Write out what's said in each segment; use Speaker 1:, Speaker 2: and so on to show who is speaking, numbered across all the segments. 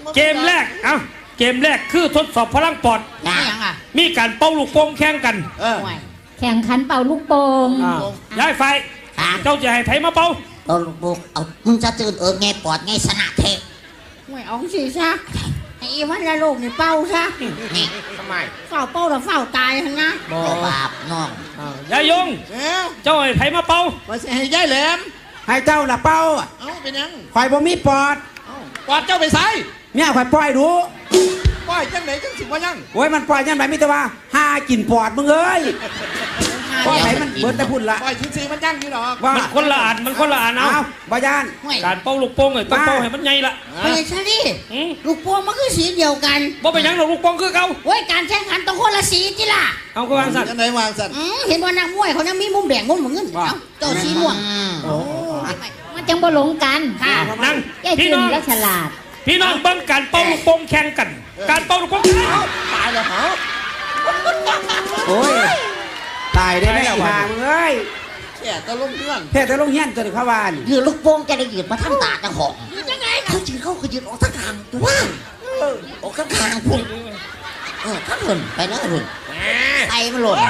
Speaker 1: เกมแรกเกมแรกคือทดสอบพลังปอดมีการเป่าลูกโป่งแข่งกัน
Speaker 2: แข่งขันเป่าลูกโป่ง
Speaker 1: ย้ายไฟเจ้าจะให้ไผมาเป่า
Speaker 3: ลูกโป่งเอามึงจะตื่นไงปอดไงสนะเทะ
Speaker 4: ไม่เอาสิซะไอ้วันละลูกนี่เป่าซะ
Speaker 3: นี่
Speaker 4: ทำไมเฝ้าเป่าแล้วเฝ้าตายทั้งนะ
Speaker 3: บาปน้อง
Speaker 1: ยายยงเจ้าให้ไผมาเป่า
Speaker 4: ว่าให้ยายแหลม
Speaker 5: ให้เจ้าละเป่า
Speaker 4: เป็นยัง
Speaker 5: ข่อยบ่มีปอด
Speaker 4: ปอดเจ้าไปใส่
Speaker 5: เนี่ยข่อยปล่อยดู
Speaker 4: ปล่อยจังไหนจังสิว่ายัง
Speaker 5: โอ้ยมันปล่อยยังไงมิตรว่าหากินปอดมึงเอ้ยปล่อยไหนมันเบิดแต่พุ่นละ
Speaker 4: ปล่อยชิ้นซีมันยั่งอยู่หรอก
Speaker 1: มันคนละอันเอา
Speaker 5: บายาน
Speaker 1: การเป่าลูกโป่งต้องเป่าให้มันใหญ่ละ
Speaker 4: ไปใช่ดิลูกโป่งมันคือสีเดียวกัน
Speaker 1: บ่เป็นยังหรอกลูกโป่งคือเก่า
Speaker 4: โอ้ยการแข่งขันต้องคนละสีจิล่ะ
Speaker 1: เอาก็วางสัตว์
Speaker 4: ไหนวางสัตว์เห็นว่านักมวยเขายังมีมุมแดงมุมเงินเจ้าสีม่วง
Speaker 2: มันจังบ่หลงกัน
Speaker 1: ค่ะนั่ง
Speaker 2: พี่น้องและฉลาด
Speaker 1: พี่น้องบังการเป่าลูกโป่งแข่งกันการเป่าลูกโป่ง
Speaker 4: ตายแล้วเหรอ
Speaker 5: โอ้ยตายได้ไหมห่ามึงเอ้ย
Speaker 4: แค่ตะลงเรื่อง
Speaker 5: แค่ตะลงเฮี้ยนตัวเด็กข้าวาน
Speaker 3: ยืนลูกโป่งจะได้ยืนมาทั้งตาทั้งหอก
Speaker 4: ยังไง
Speaker 3: เขายืนเขายืนออกทั้งทางตัวออกทั้งทางพุ่งทั้งหล่นไปนะหล่นไตมันหล่น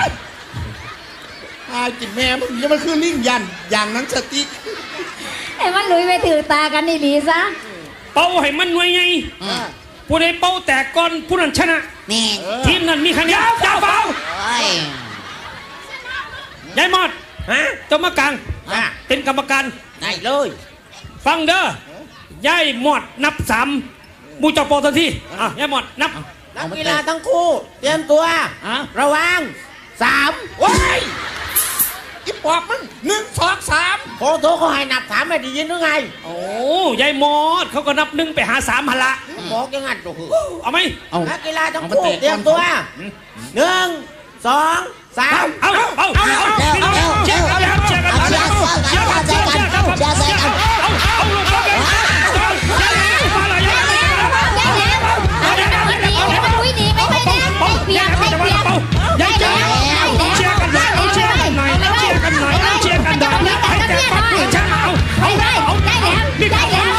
Speaker 4: กินแม่มันยังมันคือลิงยันอย่างนั้นสติ
Speaker 2: ไอ้มันลุยไปถือตากันนี่ดีซะ
Speaker 1: เป่าให้มันหน่วยไงผู้ใดเป่าแตกก่อนผู้นั้นชนะ
Speaker 3: นี่
Speaker 1: ทีมนั้นมีคะแนนจ้าเป่ายายมอดเจ้ามากลางเป็นกรรมการ
Speaker 4: ได้เลย
Speaker 1: ฟังเด้อยายมอดนับ3มูเจ้าเป่าทันทียายมอดนับ
Speaker 4: นักกีฬาทั้งคู่เตรียมตัวระวัง3ว้ายอีปอบมัน1 2 3โอ้โหเขาให้นับ3ไม่ได้ยินหรือไง
Speaker 1: โอ้ยายมอดเขาก็นับ1ไปหา3หันละ
Speaker 4: บอกยังไงตัว
Speaker 1: เอาไหม
Speaker 4: นักกีฬาทั้งคู่เตรียมตัว1 2 3
Speaker 1: เอาเชียร์กันเชียร์กันเชียร์กันเชียร์กันเชียร์กันเอาลูกบอลกันมาเลยยายเชียร์กันหน่อยเชียร์กันหน่อยเชียร์กันหน่อยเชียร์กันหน่อยให้แต่ฟังเพื่อนฉันเอาได้แล้วนี่ได้แล้ว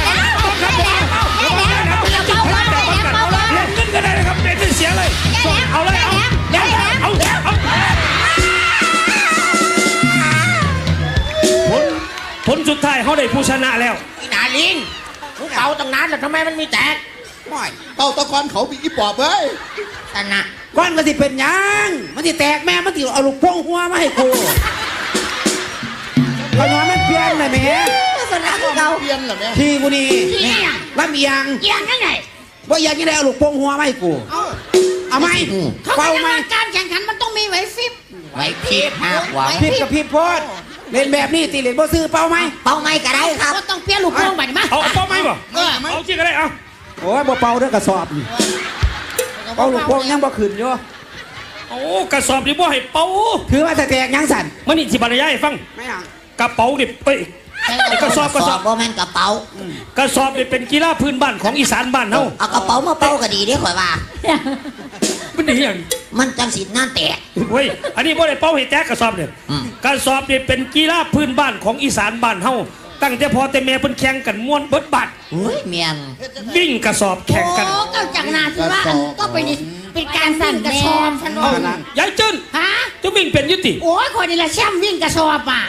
Speaker 1: เล่นเงินก็ได้นะครับเล่นเสียเลยเอาเลยเอาผลสุดท้ายเขาได้ผู้ชนะแล้ว
Speaker 4: อีนาลิงเป่าตั้งนานแล้วทำไมมันมีแตกเป่าตะกอนเขามีอีปอบเว้ย
Speaker 3: ชนะ
Speaker 5: ก้อนมันสิเป็นยังมันสิแตกแม่มันสิเอาลูกโป่งหัวมาให้กูขนมมันเปลี่ยนเลยแม่
Speaker 4: ชนะเราเปลี่ยนเหรอแม่
Speaker 5: ทีกูนี่ลำเอียง
Speaker 4: ยังไง
Speaker 5: ว่ายังได้เอาลูกโป่งหัวมาให้กูเอาไหม
Speaker 4: เป่าไหมการแข่งขันมันต้องมีไหวฟิบ
Speaker 3: ไหวพิบ
Speaker 5: ไหวพิบกับพิบโพดเล่นแบบนี้ตีเล่นบ่ซื้อเป่าไหม
Speaker 3: เป่าไหมก็ได้ครับ
Speaker 4: ก็ต้องเปลี่ยนลูกโป่งใหม่มา
Speaker 1: เอาเป่าไหมบ่เอาจริงก็ได้เอา
Speaker 5: โอ้ยบ่เป่าเด้อกระสอบเป่าลูกโป่งยังบ่ขึ้นอยู่
Speaker 1: โอ้กระสอบนี่บ่ให้เป่า
Speaker 5: ถือว่าแตกยังสั่น
Speaker 1: มันนี่สิบรรยายฟัง
Speaker 5: ไม่เอา
Speaker 1: กระเป๋านี่เอ้ยกระสอบ
Speaker 3: บ่แม่นกระเป๋
Speaker 1: ากระสอบนี่เป็นกีฬาพื้นบ้านของอีสานบ้านเฮา
Speaker 3: เอากระเป๋ามาเป่าก็ดีเด้ข่อยว่า
Speaker 1: มันดีอย่าง
Speaker 3: มันจังสินั่นแตก
Speaker 1: เฮ้ยอันนี้บ่ได้เป่าให้แตกกระสอบเนี่ยกระสอบนี่เป็นกีฬาพื้นบ้านของอีสานบ้านเฮาตั้งแต่พอแต่แม่เพิ่นแข่งกันม้วนเบิดบัด
Speaker 3: เมียน
Speaker 1: วิ่งกระสอบแข่งกัน
Speaker 4: โอ้ก็จากนาที่ว่าก็เป็นการสั่นกระสอบฉันว่
Speaker 1: ายายจื้นจะวิ่งเป็นยุติ
Speaker 4: โอ้ยคนนี้ละแชมป์วิ่งกระสอบอ่ะ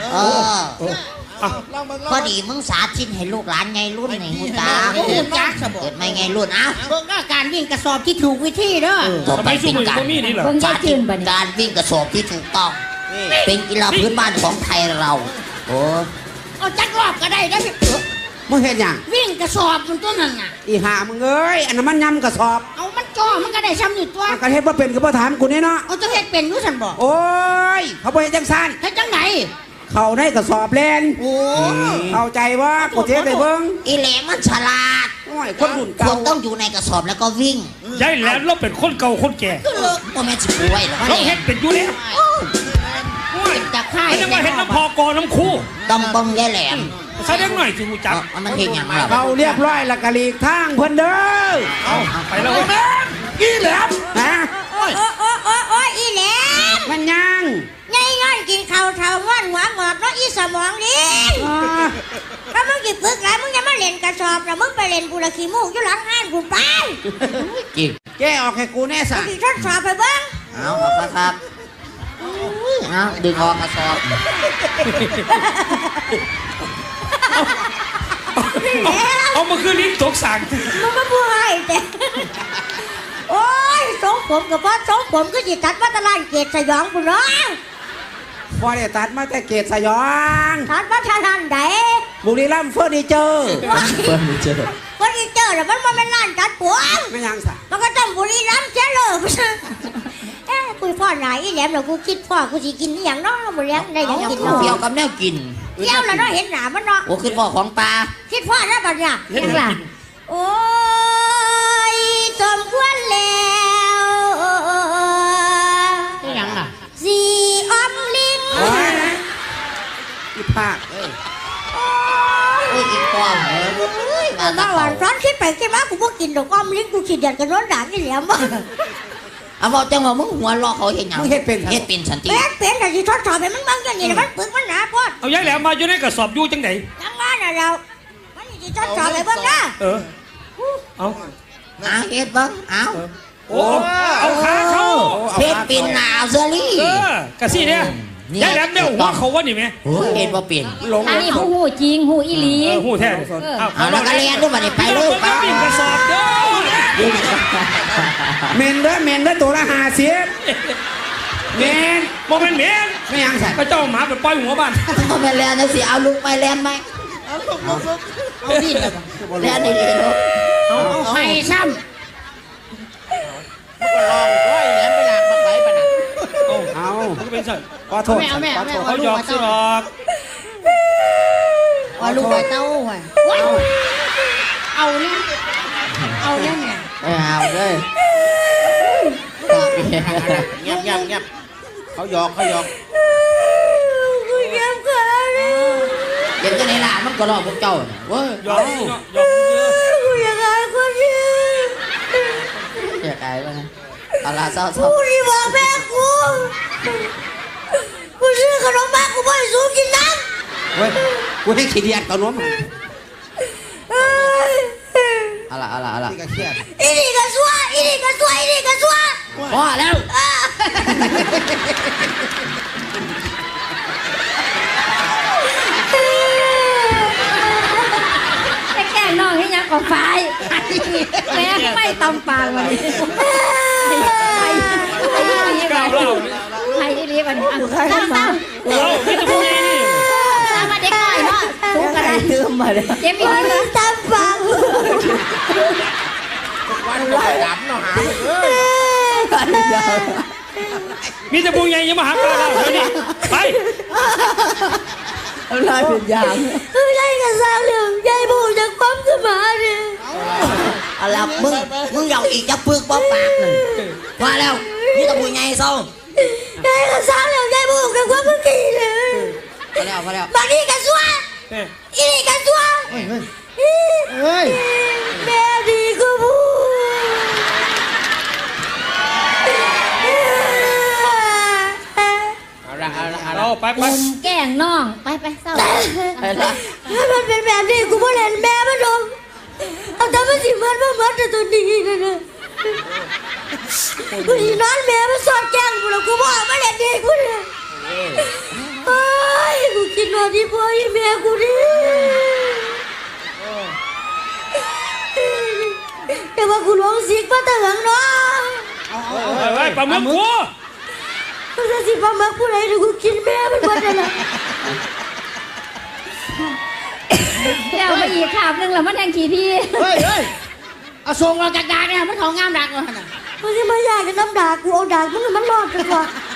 Speaker 3: พอดีมึงสาธิตให้ลูกหลานไงรุ่นไงหูตาเกิดไม่ไงรุ่น
Speaker 4: เบิ่งก็การวิ่งกระสอบที่ถูกวิธีเด้อ
Speaker 3: ต่อไปเป็นการวิ่งกระสอบที่ถูกต้องเป็นกีฬาพื้นบ้านของไทยเราโอ้
Speaker 4: เอาจักรอบก็ได้นะพี่
Speaker 5: มึงเห็นยัง
Speaker 4: วิ่งกระสอบมันตัวนั้นน่ะ
Speaker 5: อีห่ามึงเอ้ยอันนั้นมันยำกระสอบ
Speaker 4: เอามันจ่อมันก็ได้ซ้ำอยู่ตัว
Speaker 5: กระเฮ็ดว่าเป็นก็บ่ถามกูนี่เนาะ
Speaker 4: เอาจะเฮ็ดเป็นรู้ฉันบอก
Speaker 5: โอ้ยเขาบ่เฮ็ดจังซั่น
Speaker 4: เฮ็ดจังไหน
Speaker 5: เขาได้กระสอบแลน
Speaker 4: โอ้
Speaker 5: เข้าใจว่ากูเทได้เบิ่ง
Speaker 3: อีแหลมมันฉลาด
Speaker 5: โอ้ยคนรุ่นเก่า
Speaker 3: ต้องอยู่ในกระสอบแล้วก็วิ่ง
Speaker 1: ยายแหลมเราเป็นคนเก่าคนแก่
Speaker 3: ก็แม่สิป่วยหรอ
Speaker 1: เราเฮ็ดเป็นอยู่แล้ว
Speaker 4: จากค่าย
Speaker 1: ไม่ต้องมาเฮ็ดน้ำพอกอน้ำคู่
Speaker 3: ตำบังยายแหลม
Speaker 1: แสดงหน่อยสิมูจัก
Speaker 3: มันเห็นอย่างไร
Speaker 5: เราเรียบร้อยแล้วก็หลีกทางเพิ่นเด้อ
Speaker 1: ไปแล้วแม่อีแหลม
Speaker 5: ฮะ
Speaker 4: โอ้อีแหลม
Speaker 5: มันยัง
Speaker 4: ไงย้อนกินข้าวเท่าว่านหวานหมดแล้วอี
Speaker 6: สมองดิถ้ามึงจิฝึกไรมึงจะมาเล่นกระสอบแล้วมึงไปเล่นกูละขี้มูกอยู่หลังห้านกูไป
Speaker 3: จริง
Speaker 5: แกออกให้กูแน่สะ
Speaker 6: กูทดสอบไปเบ้าง
Speaker 3: เอาครับเอาดึงออกกระสอบ
Speaker 1: เอามาคืนนี้ตกสั่ง
Speaker 6: มึงมาพูดให้แต่โอ้ยสองผมกับพ่อสองผมก็จิตัดวัตลานเกตสยองกูเนาะ
Speaker 5: พอได้ตัดมาแต่เกตสยอง
Speaker 6: ตัดวัตลานไหน
Speaker 5: บุรีรัมย์เฟอร์นิเจอร์
Speaker 3: เพิ่มเจอ
Speaker 6: วันนี้เจอแล้วมันเป็นร้านตัดผม
Speaker 5: ไม่ยังสะ
Speaker 6: มันก็ต้องบุรีรัมย์เสียเลยเอ้กูพ่อไหนอีแหลมเรากูคิดพ่อกูสิกินอหย่างน้องบุรีรัมย์ได้ยังกินน้อง
Speaker 3: เกี่ยวกับแนวกิน
Speaker 6: เที่ยวแล้วเนาะเห็นหนามันเนาะ
Speaker 3: โอ้ขึ้นบ่อของปลา
Speaker 6: คิดพ่อแล้วบัดเนี่ย
Speaker 2: เห็นล่ะ
Speaker 6: โอ้ยสมควรแล้ว
Speaker 2: เป็นหยังล่ะ
Speaker 6: สีออมลิ้น
Speaker 5: โอ้ยอีภาค
Speaker 3: โอ้ยอีกปอมมา
Speaker 6: มาหวานร้อนคิดไปคิดมากูบ่กินดอกออมลิ้นกูขี้เดียดกันร้อนด่างนี่แหลมบ่
Speaker 3: เอาบอกจังว่ามึงหัวรอเขาเห็นหยัง
Speaker 5: มึงเฮ็ดเป็น
Speaker 3: เฮ็ดเป็นสันติ
Speaker 6: เป็นแต่ที่ทดสอบให้มันบางอย่างนี้นะมันปึกมันหนาพอด
Speaker 1: เอาย้ายแหลมมาอยู่ในกระสอบอยู่จังไหน
Speaker 6: จังว่าน่ะเรามันที่ทดสอบให้เบิ่งนะ
Speaker 1: เออเอา
Speaker 3: เฮ็ดบ้างเอา
Speaker 1: โอ้เอาขาเขา
Speaker 3: เฮ็ดเป็นหนาวเซอรี่
Speaker 1: เออกระซี่เนี่ยย้ายแหลมเนี่ยหัวเขาวะนี่ไหม
Speaker 3: โอ้ยเฮ็ดบ่เป็น
Speaker 5: หลง
Speaker 2: อันนี้ผู้หูจริงหูอีหลี
Speaker 1: หูแท้เอา
Speaker 3: เอาแล้วก็เรียนด้วยบัดนี้ไปเลย
Speaker 1: ไปปิ่นกระสอบเด้อ
Speaker 5: เมนเด้อเมนเด้อตัวละ50เมน
Speaker 1: โมเมนต์เมน
Speaker 5: ไม่ยังสะ
Speaker 1: ก็เจ้าหมาไปปล่อยหัวบ้าน
Speaker 3: เอาไปแลนนะสิเอาลูกไปแลนไหมเอาดิแลนดีๆลูก
Speaker 2: เอาให้ซ้
Speaker 5: เอา
Speaker 1: มันก็เป็นสัตว์
Speaker 5: ขอโทษขอโทษ
Speaker 1: เขาหยอกสิหรอก
Speaker 2: เอาลูกไปเต้าไว้เอาเนี่ยเอาเนี่ยเนี่ย
Speaker 3: เอาเลย
Speaker 4: เงียบเงียบเงียบเขาหยอก
Speaker 6: กูเจ็บขาเลย
Speaker 3: เดี๋ยวจะไหนล่ะมันก็รอพวกเจ้าเนี่ยเว้ย
Speaker 1: หยอกหยอกเยอะ
Speaker 6: กูอยากอายคนอื่น
Speaker 3: อยากอายบ้างนะเอาล่ะเศร้า
Speaker 6: กูที่บอกแม่กูซื้อขนมมากูไม่ให้สูกินน้
Speaker 5: เว้ยกูให้ขี้เดียดกับนม
Speaker 6: ำ
Speaker 3: เอาล่ะ
Speaker 5: นี่ก็เครียด
Speaker 6: อีนี่ก็ซัวอีนี่ก็ซัวอีนี่ก็ซัว
Speaker 3: พอแล้ว
Speaker 2: แต่แก่น้องให้ยังก่อไฟแม่ไม่ตำปากวันนี้ไอ้อีหลีวันนี้ตั้ง
Speaker 1: เราไม่จะพูดยังไงนี่
Speaker 2: ตั้งมาเด็กหน่อยเนาะทุกอะไร
Speaker 3: เติมมาเลย
Speaker 2: เจ็บอีกนิด
Speaker 6: ตามปาก
Speaker 4: วันก็ไปดับเนาะหาเลย
Speaker 1: มีแต่พูดยังยังมาหาปลาเราเดี๋ยวนี้ไป
Speaker 3: ลายเป็นยาง
Speaker 6: คือได้กับสาวเหลืองใจบูจากความสมาเนี่ย
Speaker 3: เอาล่ะมึงอยากอีกจะปึกบ่ปากหนึ่งว่าแล้วนี่ตะบุยไงเศร้า
Speaker 6: ได้กับสาวเหลืองใจบูจากความเมื่อกี้เลย
Speaker 3: พอแล้ว
Speaker 6: บางทีก็ซัวอีนี่ก็ซัวแม่ดีก็บู
Speaker 1: เราไป
Speaker 2: มุมแก่งน้องไปเศร้า
Speaker 6: ถ้ามันเป็นแบบนี้กูไม่เล่นแม่มันลงเอาแต่มันสิมันแต่ตัวนี้นะกูสินอนแม่มันสอดแจ้งกูแล้วกูบอกมาเล่นดีกูเนี่ยเฮ้ยกูคิดว่าที่พ่อที่แม่กูดิแต่ว่ากูร้องสิกมาแต่หลังเนาะ
Speaker 1: ไปปลาหมึกกู
Speaker 6: กูจะสิบ้ามาผู้ใดหรือกูกินแม่มันหมดเลย
Speaker 2: แล้วมาอีกขาบนึงแล้วมันแทงขี้พี่
Speaker 4: เฮ้ยเอาส่งเราจากดาเนี่ยมันของงามดักเลยนะ
Speaker 6: มึงจะมาอยากจะน้ำด่ากูเอาด่ามึงมันรอดกันวะ